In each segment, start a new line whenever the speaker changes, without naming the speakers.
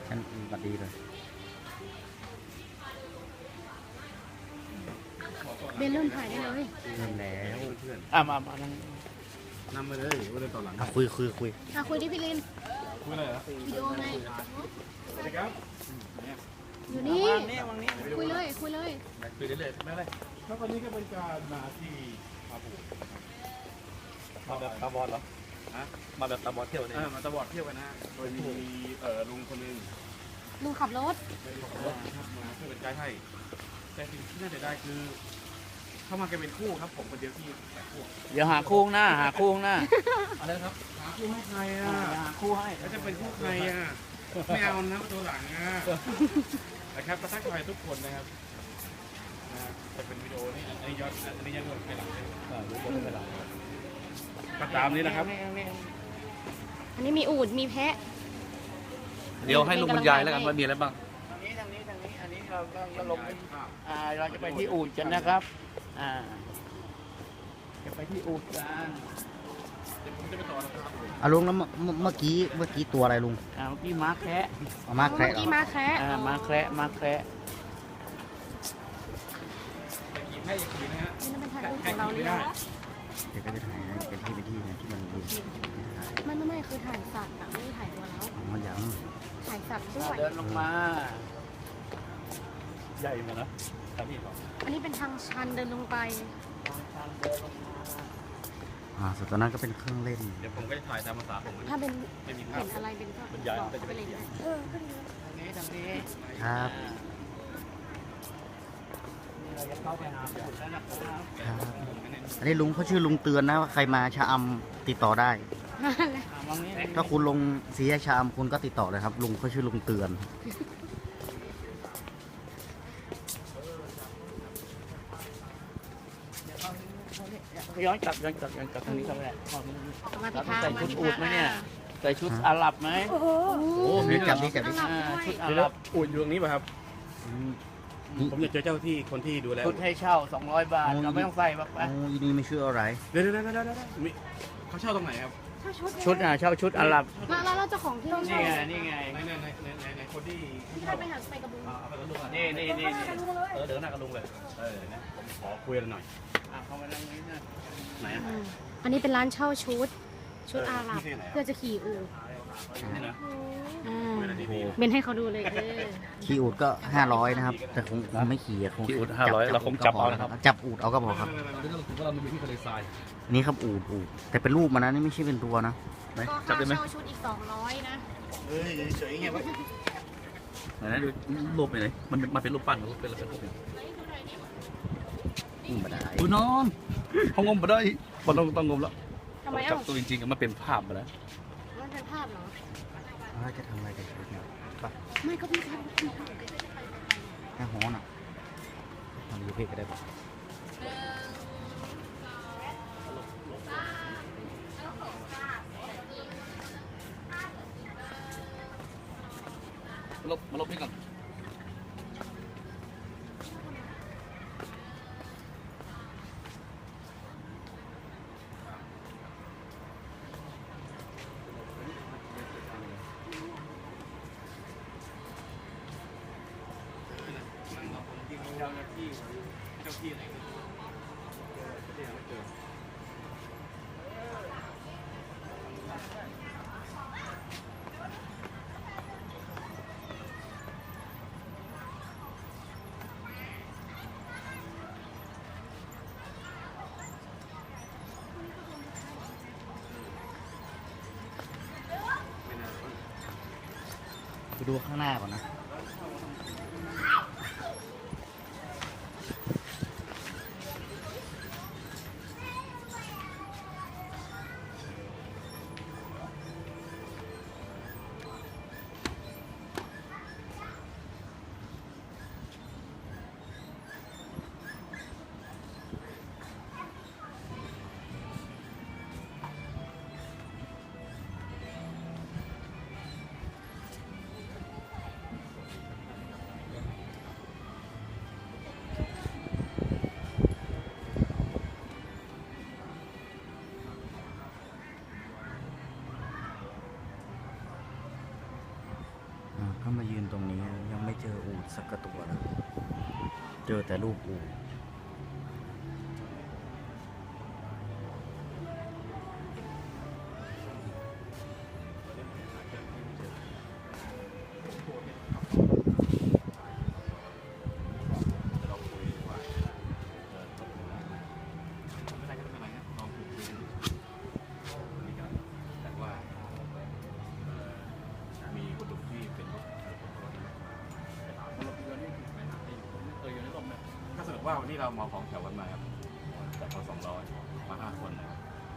ฉันบัดดีเลย
เบนเริ่มถ่ายได้เลย
เริ่มแล้ว
เพื่อน
มานั่ง
นำมาเลยว่าเดินต่อหลัง
คุย
คุยที่พี่ลิน
คุยอะไรเหรอ
วิดีโอไง
สวัสดีครับ
อยู่นี่
วางนี้
คุยเลย คุยเลย
คุยได้เลยไม่เป็นไรครับวันนี้ก็เป็นการมาที่พาปู
มาแบบตาบอดเหรอ
ฮะ
มาแบบตาบอดเที่ยวเนี่ย
มาตะบอดเที่ยวกันนะโดยมีลุงคนหนึง
ลุงขับรถ
เป็นของรถนะครับมาเพื่อเป็นไกด์ให้แต่สิ่งที่น่าจะได้คือเข้ามากันเป็นคู่ครับผมคนเดียวที่แปดคู่
เดี๋ยวหาคู่ข้างหน้า หาคู่ข้างหน้า
อะไรครับหาคู่ให้ใครอ่ะ
หาคู่ให้
แล้วจะเป็นคู่ใครอ่ะไม่เอานะตัวหลังอ่ะนะครับประทักทายทุกคนนะครับจะเป็นวิดีโอนี่อันนี้ย้อนอันนี้ยังเป็นหลังก็ตามนี้นะครับ
อันนี้มีอูฐมีแพะ
เดี๋ยวให้ลุงบรรยายแล้วกันว่ามีอะไรบ้าง
ทางนี้ อันนี้เราลงเราจะไปที่อู่กันนะครับ จะไปที่อู่กัน
เดี๋ยวผมจะไปต่อนะครับ
อ่ะลุงแล้วเมื่อกี้ตัวอะไรลุง
เมื่อกี้ม้าแคะ
เอามาแคระ
เมื่อกี้มาแคะ
ม้าแคระม้าแคระ
แต่กี่ให้อย่างกี่นะฮะ
นี่เป็นถ่ายรูปของเราเลย
ได้
นะ
เดี๋ยวก็จะถ่ายนะเป็นที่นะที่มันดู
ไม่คือถ่ายสัตว์อะไม่ได้ถ่ายตัวเรา
อ๋อยัง
ถ่ายสัตว์ด้วย
เดินลงมาใหญ่เหมือนนะทางนี้ก่อน
อันนี้เป็นทางชันเดินลงไป
ส่วนตัวนั้นก็เป็นเครื่องเล่น
เดี๋ยวผมก็จะถ่ายตามภาษาผมมัน
ถ้าเป็น
ไม่มีภา
เห็
พ
นอะไรเป็นก็
บรรยาย
บอก
ก็จะ
ไป
เป็น
เลย
ใหญ่
นะ
ทางนี้
ครับ
เราจะเข้าไปหาปูแล้วนะครับ
ครับอันนี้ลุงเขาชื่อลุงเตือนนะว่าใครมาชะอำติดต่อได้
วางนี้
ถ้าคุณลงสีแยกชะอำคุณก็ติดต่อเลยครับลุงเขาชื่อลุงเตือน
ย้อนกลับทางนี้ก็ได้
มา
เรา
ที่
ต้อง
ทาง
ใส่ชุดอูดไหมเนี่ยใส่ชุดอาหรับไหม
โอ้โห
โอ้
เดี๋ยวจับดิ
ชุดอาห
แล้
รั
ว
บ
อูดอยู่ตรงนี้ป่ะครับ ผมอยากเจอเจ้าที่คนที่ดูแล
ชุดให้เช่า200 บาทเราไม่ต้องใส่บัก
โอ้อีนี่ไม่ชื่ออะไร
เดี๋ยวมีเขาเช่าตรงไหนครับ
ถ้าชุด
ชุดเช่าชุดอาหรับ
แล้วเราเจ้าของที่
นี่ไงนี่ไง
ในคนที่
ที่ได้ไปหาไปกระบุง
เอาไปกับลุงอ่ะ
นี่
ไปกระบุงเลย
เดินหน้ากับลุงเลยนะผมขอคุยกันหน่อย
เข้ามาทางนี้นะ
ไหนอ่ะ
อันนี้เป็นร้านเช่าชุดอาหรับเพื่อจะขี่อูฐ
นี่นะ
เบนให้เขาดูเลย
ขี่อูดก็500นะครับ แต่คงไม่ขี่อะคง
ที่อุด500เราคงจับเอานะครับ
จับอูดเอาก็พอครับ
นี่เราถือว่าเรามาอยู่ที่ทะเลทราย
นี่ครับอูดแต่เป็นรูปมันนะนี่ไม่ใช่เป็นตัวนะ
ไหน
ก็
จับ
ค่า
ได้ไหม
เช่าชุดอีก200นะ
เฮ้ยเฉยๆเงี้ย
ไหนดูรูปไปไหนมันเป็นรูปปั้นหรือเป็นอะไรเป็นรูปเนี่ย
ไม่ได้
ดูนอนเขางมมาได้มันต้องงมแล้ว
ทำไม
จั
อ่ะ
บตัวจริงๆมันเป็นภาพมาแล้ว
มันเป็นภาพเหรอ
จะทำอะไรกันชุดเนี่ยไป
ไม่ก็พี่ครับ
แค่ฮ้อนอ่ะทำยูเพกก็ได้ปะ
มาลบนี่ก่อน
เจ้าที่ไหน
ไปดูข้างหน้าก่อนนะ
ก็มายืนตรงนี้ยังไม่เจออูฐสักกระตัวเลยเจอแต่รูปอูฐ
ว่าวันนี้เราเหมาของแถวกันมาครับจากพอ200มา5 คนนะครับ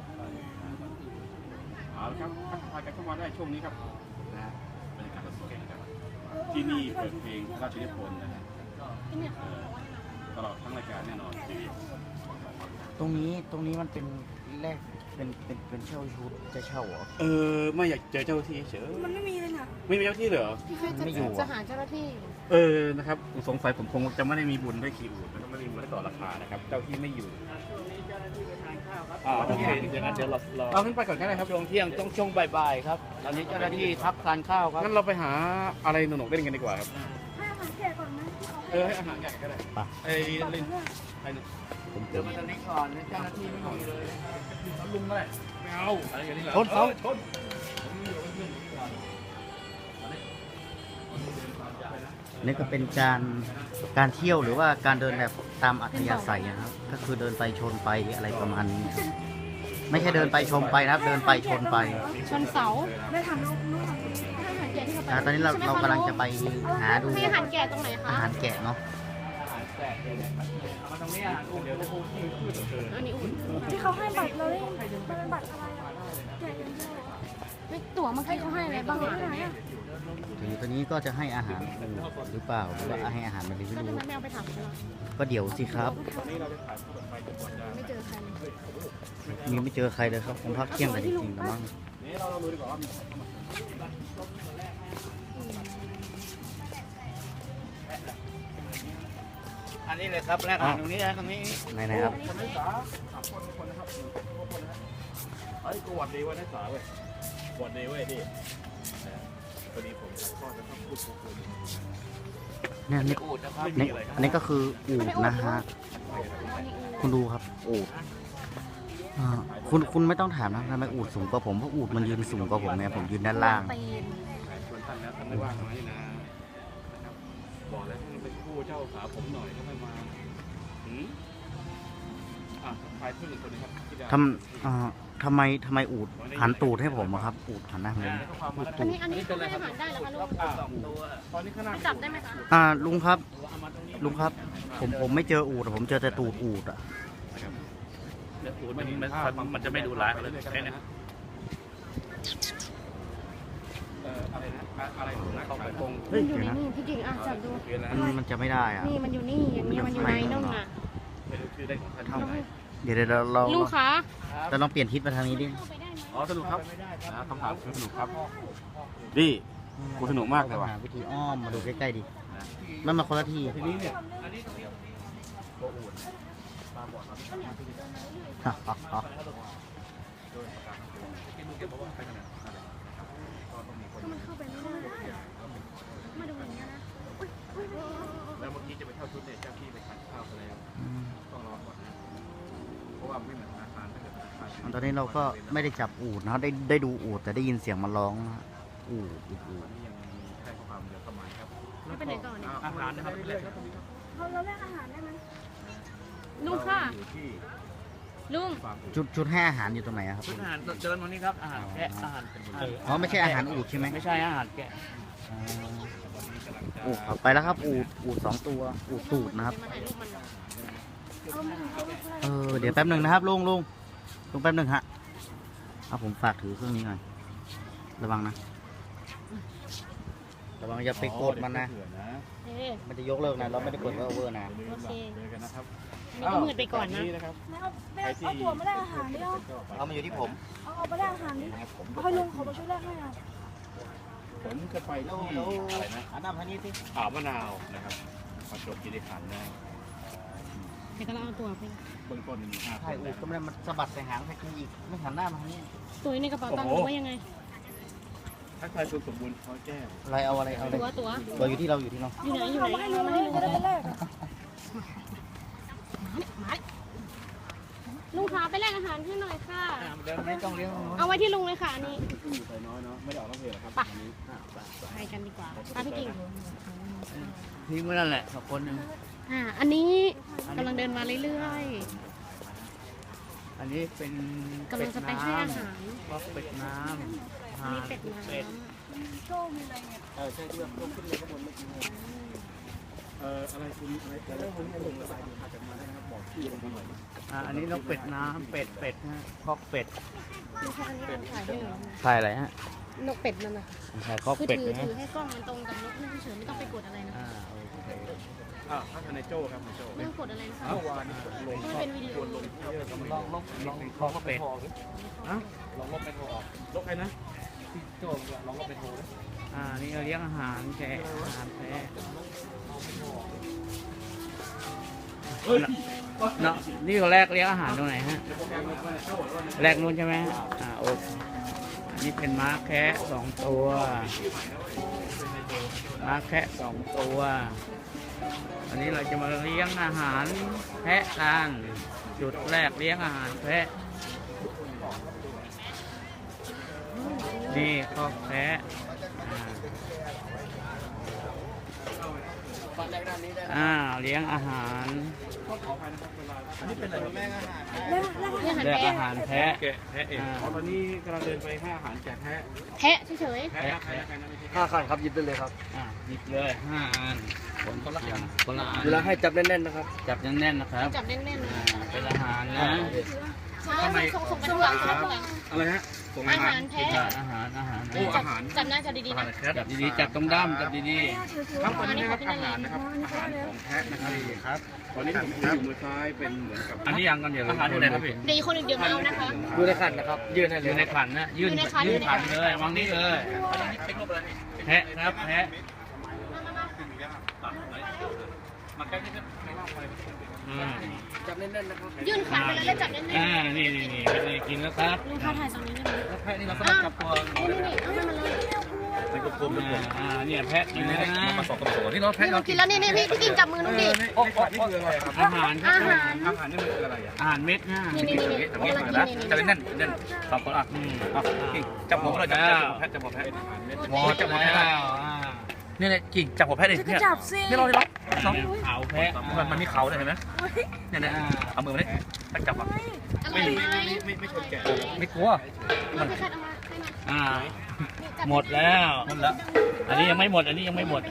เอาละครับทักทายกันเข้ามาได้ช่วงนี้ครับนะฮะบรรยากาศสดๆนะครับที่นี่เปิดเพลงราชนิพนธ์นะฮะตลอดทั้งรายการแน่นอนทีเดียว
ตรงนี้มันเป็นแรกเป็นเช่าชุดจะเช่าเหรอ
ไม่อยากเจอเจ้าหน้าที่เฉย
มันไม่มีเลยนะ
ไม่มีเจ้าหน้าที่เหรอ
ไม่อยู่
จะ
อะ
หาเจ้าหน้าที่
นะครับสงสัยผมคงจะไม่ได้มีบุญได้ขี่อูฐแล้วก็ไม่ได้มีบุญได้ต่อราคานะครับเจ้าที่ไม่อยู่
เจ้าหน้าที่ไปทานข้าวครับ
โอเคอย่างนั้นเดี๋ยวเรา
เอาขึ้นไปก่อนก็ได้ครับช่วงเที่ยงช่วงบ่ายๆครับตอนนี้เจ้าหน้าที่พักทานข้าวครับ
งั้นเราไปหาอะไรหนุกๆเล่นกันดีกว่าครับ
ให้อาหารแกะก่อนไหมที่เขา
ให้อาหารแกะก็ได้
ไป
ไอ้เล่นไอ้หนุก
ผม
เดี๋ยวมาตอนนี้ก่อนเจ้าหน้าที่ไม่มีเลย
ลุงก็ได้ไม่เอาอะไรอย่างนี้เหรอ
ชนเขา
ชน
นี่ก็เป็นการเที่ยวหรือว่าการเดินแบบตามอัธยาศัยนะครับ ก็คือเดินไปชนไปอะไรประมาณนี้ครับไม่ใช่เดินไปชมไปนะครับ เดินไปชนไป
ชนเสา
ได้ทำลูก
ให้อาหารแกะที่เขาไป
ตอนนี้เรากำลังจะไปหาดู
ให้อาหารแกะตรงไหน
อา
คะ
หารแกะเนาะ
เอามาตรงนี้อาหารอุ่นเดี๋ยวพูดที่พูด
อันนี้อุ่น
ที่เขาให้บัตรเราได้มันเป็นบัตรอะไรอ่ะแกะอย่างเดียวเหรอ
ไม่ตั๋วเมื่อกี้เขาให้อะไรบ้างอ่ะ
ที่ไหนอ่ะ
ทีนี้ตอนนี้ก็จะให้อาหารอูฐหรือเปล่าหรือว่าให้อาหารมันหรือไม่
แล้วทำ
รู้
ไมไม่เอาไปถามเขาล่ะ
ก็เดี๋ยวสิครับ
ไม่เจอใคร
ยังไม่เจอใครเลยครับคงพักเที่ยงกันจริงๆแต่มั้ง
นี่เราดูดีกว่าว่ามี
อันนี้เลยครับแรกอาหารตรงนี้นะตรงนี้
ไหนๆครับ
คนนักศึกษา3 คนนะครับคนนะครับเฮ้ยกูหวัดดีวันนักศึกษาเว้ยหวัดดีเว้ยดิพอดีผมถ่ายทอดแล้วก็พูดคุย
เนี่ยนี่
อูดนะครับ
นี่อันนี้ก็คืออูฐนะฮะคุณดูครับอูฐคุณไม่ต้องถามนะทำไมอูฐสูงกว่าผมเพราะอูฐมันยืนสูงกว่าผมไงผมยืนด้านล่าง
ตีน
ชวนท่านแล้วท่านไม่ว่างน้อยนะนะครับบอกแล้วท่านเป็นผู้เจ้าสาวผมหน่อยก็ไม่มาใครเพื่อนคนนี้ครับที่ดาว
ทำไมอูฐหันตูดให้ผมอะครับอูฐหันหน้าผม
อันนี้เขาให้อาหารได้แล้วคะลูก
ตอนนี้ข้างหน้า
ไปจับได้ไหมคะ
ลุงครับผมไม่เจออูฐผมเจอแต่ตูดอูฐอะ
อูฐมันจะไม่ดูร้ายเลยแค่นี้
อะไรนะอะไรนะเข้าไปตรง
เฮ้ย
อยู่
เดี๋ยว
ใน
นะ
นี่พี่กิ่งอ่ะจับดู
เรียนแล้ว
มันจะไม่ได้อะ
นี่มันอยู่นี่อย่างนี้มันอยู่ในนู่นน่ะ
ไม่รู้ชื่อได้ของท่านที่ไหน
เดี๋ยวเรา
ลุงคะ
ลองเปลี่ยนทิศมาทางนี้ดิ
เข้าไปได้ไหม
อ๋อสนุกครับคำถามคือสนุกครับดิกูสนุกมากเลยว่ะ
หาวิธีอ้อมมาดูใกล้ๆดิมันมาคนละที่
ทีนี้เนี่ย
ถ้ามันเข้าไปไม่ได้มาดูอย่างเงี้ยนะ
แล้วเมื่อกี้จะไปเช่าชุดเนี่ยเจ้าที่ไปทานข้าวไปแล้วต้องรอก่อนนะเพราะว่าไม่เหมือนธนาคารถ้าเกิดธนาคาร
ตอนนี้เราก็ไม่ได้จับอูฐนะครับได้ดูอูฐแต่ได้ยินเสียงมันร้องนะฮะอูฐ
วันนี้ยังมีแค่ความเดือดประมาณครับ
ไม่เป็นไรก่อนเนี่ย
อาหารนะครับเรื่อยๆครับ
เราแลกอาหารได้ไหม
ลุงค่ะ
อยู่ที่
ลุง
ฟาร์ม
ชุดให้อาหารอยู่ตรงไหนอะครับ
อาหารเดินตรงนี้ครับอาหารแกะอาหาร
อ๋อไม่ใช่อาหารอูฐใช่ไหม
ไม่ใช่อาหารแกะ
อูฐไปแล้วครับอูฐ2 ตัวอูฐตูดนะครับ
มาถ่ายรูปมัน
เดี๋ยวแป๊บหนึ่งนะครับลุงแป๊บหนึ่งฮะเอาผมฝากถือเครื่องนี้หน่อยระวังนะระวังอย่าไปกดมันนะ
เอ๊ะ
มันจะยกเลิกนะเราไม่ได้กดว่าโอเวอร์นะ
โอเค
เจอกันนะครับ
นี่ก็มืดไปก่อนนะ
นะครับ
ไม่เอาตัวมาแลกอาหารดิเอา
เอามาอยู่ที่ผม
เอาไปแลกอาหารดิเอาให้ลุงเขามาช่วยแลกให้อ่ะ
ผมจะไปที่อะไรนะ
อันนั้นทางนี้สิ
อ่าวมะนาวนะครับประจวบคีรีขันธ์นะ
แต่ก็เราเอาตัวไป
เบื้องต้นมี5
ใช่อูฐก็ไม่ได้มันสะบัดใส่หางไปกินอีกไม่หันหน้ามาทางนี้
ตัวในกระเป๋าตังค์หรือว่ายังไง
ถ้าใครสมบูรณ์เขาแจ้ง
อะไรเอาอะไรเอาอะไร
ตัว
ตัวอยู่ที่เราอยู่ที่เรา
อยู่ไหนอยู่
เรา
ไหน
ไม่ให้รู้ไม่ให้รู้ก็ได้เป็นแรกอะ
ลุงขาไปแลกอาหารให้หน่อยค่ะ
เดินไม่ต้องเลี้ยง
เอาไว้ที่ลุงเลยค่ะอันนี้
อยู่ใส่น้อยเนาะไม่ได้ออกนอกเพจหรอกครับ
ไป
อันนี้
ไปกันดีกว่าป้าพี่กิ่ง
ทิ้งไว้นั่นแหละสักคนหนึ่ง
อันนี้กำลังเดินมาเรื่อย
อันนี้เป็น
ๆกำลังจะไปให้อาหาร
ก็เป็ดน้ำ
อันนี้เป็ดน้
โชคมีอะไรเนี่ย
ใช่ที่ว่าพวกขึ้นเลยข้างบนเมื่อกี้อะไรคุณอะไรผมให้ลงระบายดูจากมาได้นะครับบอกที่ลงมาหน่อย
อันนี้นกเป็ดน้ำเป็ดนะคอกเป็ด
ำลูกค้าอันนี้เป็นถ่ายให้เหรอ
ใช่อะไรฮะ
นกเป็ดนั่นน่ะ
ใช่คอก
คือ
เป็ด
ถือ
นะ
ถือให้กล้องมันตรงกับนกนั่นเฉยๆไม่ต้องไปกดอะไรนะ
โอเค
ถ้าในโจ้ครับในโจ้
ไม่ต้องกดอะไรนะคะ
เมื่อวานนี้ลง
ให้เป็นวิดีโอ
ลงเยอะก็ไม่
ลองคอกเป็ด
ลองลบไปโทรออกลบใครนะที่โจ้ลองลบไปโทร
นี่เราเลี้ยงอาหารแกะอาหารแพะ
เฮ้ย
เนาะนี่ก็แรกเลี้ยงอาหารตรงไหนฮะแรกนู้นใช่ไหมโอเคอันนี้เป็นม้าแคะ2 ตัวม้าแคะ2 ตัวอันนี้เราจะมาเลี้ยงอาหารแพะกันจุดแรกเลี้ยงอาหารแพะนี่คอกแพะเลี้ยงอาหาร
นี่อาหาร
เลือก
แพะ
อาหารแพะ
แกะแพะเองตอนนี้กำลังเดินไปให้อาหารแกะแพะ
แพะเฉย
แพะใครนะไม่ใช่
5 คันครับหยิบได้เลยครับ
หยิบเลย5 อันคนละอันคนละอัน
เวลาให้จับแน่นๆนะครับ
จับแน่นๆนะครับ
ๆจับแน่นๆ
เป็นอาหารนะ
ส่งไปข้างหลังส่งไปข้างหลัง
อะไรฮะส่ง
อา
อาหา
หาร รแพะ
อาหาร
โอ้อาหาร
จับหน้าจับดีๆนะ
จับดีๆจับตรงด้ามจับดี
ครับตอนนี้นะครับอาหารนะครับอาหารของแพะนะครับตอนนี้ผมอยู่มือซ้ายเป็นเหมือนกับ
ๆอันนี้ยังกันเดี๋ยวอาหารอยู่ไหนครับพี่
เดี๋ยวอีกคนหนึ่งเดี๋ยวมาเอานะคะ
ดูในขันนะครับ ยื่นให้เล
อยู่
ย
ในขันนะยื่น
อยู่ในขัน
ยื่นขันเลยวางนี้เลยแพะครับแพะ
จับแน่นๆนะครับ
ยื่นขาไปแล้วจับแน่น
นี่เป็นกินแล้วครับ
ๆลุงค้าถ่ายตรงนี้ได้ไหม
แล้วแพะนี่เราสามารถจับตัว
นี่เอาให้มันเลย
เป็นกลมๆ
เนี่ยแพะกินแล้วนะ
มาสองที่เราแพะ
นี่ลุงกินแล้วนี่พี่กิ่งจับมือลุงดิ
โอ้นี่คืออะไรครับ
อาหารครับ
อาหาร
อาหารนี่มันคืออะไรอ่ะ
อาหารเม็ดนะ
นี่กำลังกินนี่
จะเป็นแน่นสองคนอ่ะจับหัวเราจับแพะจับหัวแพะ
หมดจับหมดแล้ว
นี่เลยกิ่งจับหัวแพะดิ
จะ
เนี่ย
จับสิ
นี่เราได้
เขาแพะ
มันมีเขาเลยเห็นไหมเนี่ยเอามือมาดิตั้งจับอ่ะ
อร่อยไหม
ไม่ชนแกะไม่กลัว
มันไปคัดเอามาให้มา
หมดแล้ว
หมดแล้ว
อันนี้ยังไม่หมดอันนี้หมด
จะ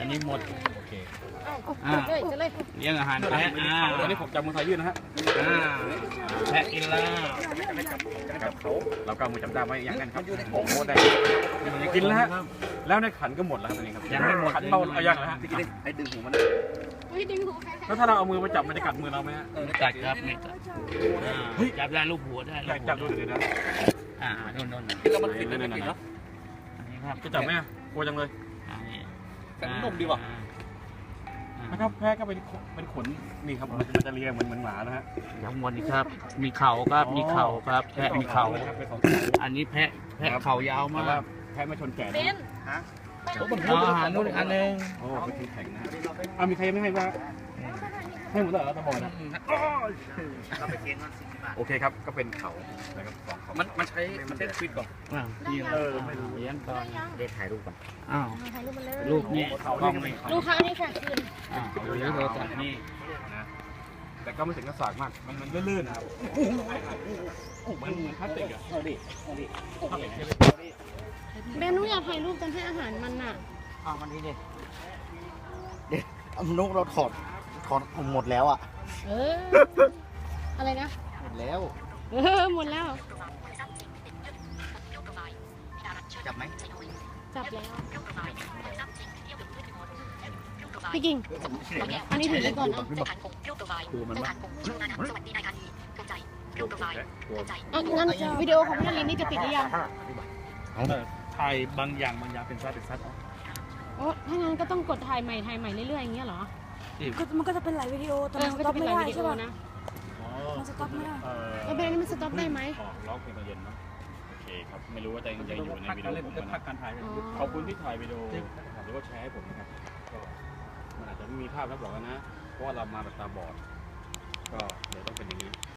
เลย
เลี้ยงอาหารแพะ
ตอนนี้ผมจับมือซ้ายยื่นนะฮะ
แพะกินแล้ว
จับเขาเราก็มือจับได้ไว้อย่างนั้นครับโอ้โหได้กินแล้วฮะแล้วในขันก็หมดแล้วตอนนี้ครับขันเบาเอาอย่างนะฮะที่กินไอ้ดึงหูมัน
อุ้ยดึงหัวแพะ
แล้วถ้าเราเอามือมาจับมันจะกัดมือเราไหมฮะ
จัดครับไม่จัดจับได้ลูกหัวได้
อยากจับดูหน่อยนะ
โน่น
แล้วมันปิดเลยนะ
อันนี้ครับ
จะจับไหมกลัวจังเลย
แต่นุ่มดีว่ะ
นะครับแพะก็เป็นขนนี่ครับมันจะเลียเหมือนหมานะฮะ
ทั้งหมดนี่ครับ มีเข่าครับมีเข่าครับแพะมีเข่าอันนี้แพะเข่ายาวมาก
แพะไม่ชนแก่
เบน
อาหารนู่นอีกอันนึง
โอ้เป็นทีแข็งนะเอามีใครยังไม่ให้บ้างให้หมดแล้วตะบอยนะโอเคครับก็เป็นเขานะครับสองเขามันใช้ฟิตก่อน
นี่ไม่รู้เลี้ยงก่อน
เด็ถ่ายรูปก่อน
อ้าว
ถ่ายรูปมาเลย
รูปนี้
เขาเรียกอะไร
ลูกค้านี่ค่ะคืน
เลี้ยงโทรศัพท์นี่
นะแต่ก็ไม่ถึงกับสากมากมันลื่นๆนะครับมันพลาสติกอะเอาดิ
เบนหนูอยากถ่ายรูปตอนให้อาหารมันน่ะ
มันนี่เด็ดนกเราถอดหมดแล้วอ่ะ
อะไรนะ
หมดแล้ว
หมดแล้ว
จับไหม
จับแล้วพี่กิ่งอันนี้ถือไว้ก่อนนะ
ดูมันว่า
งั้นวิดีโอของพี่นารินนี่จะปิดหรือยัง
ถ่ายบางอย่างเป็นซัด
โอ้ถ้างั้นก็ต้องกดถ่ายใหม่เรื่อยๆอย่างเงี้ยเหรอ
มันก็จะเป็นหลายวิดีโอแต่มันส
ก็
ต็อ
จะ
ป
เป็น
ไม่
หลาย
ได้
วิดี
ใช่
โอ
ป่ะ
นะ
มันสต็อปไม่ได้
แล้วเบนนี่มันสต็อปได้ไหม
ร้องเพลงตอนเย็นเนาะครับไม่รู้ว่าจะยังอยู่ในวิดีโอผมนะ
การถ่าย
ขอบคุณที่ถ่ายวิดีโอหรือว่าแชร์ให้ผมนะครับก็มันอาจจะไม่มีภาพแล้วบอกแล้วนะเพราะว่าเรามาแบบตาบอดก็เดี๋ยวต้องเป็นอย่างนี้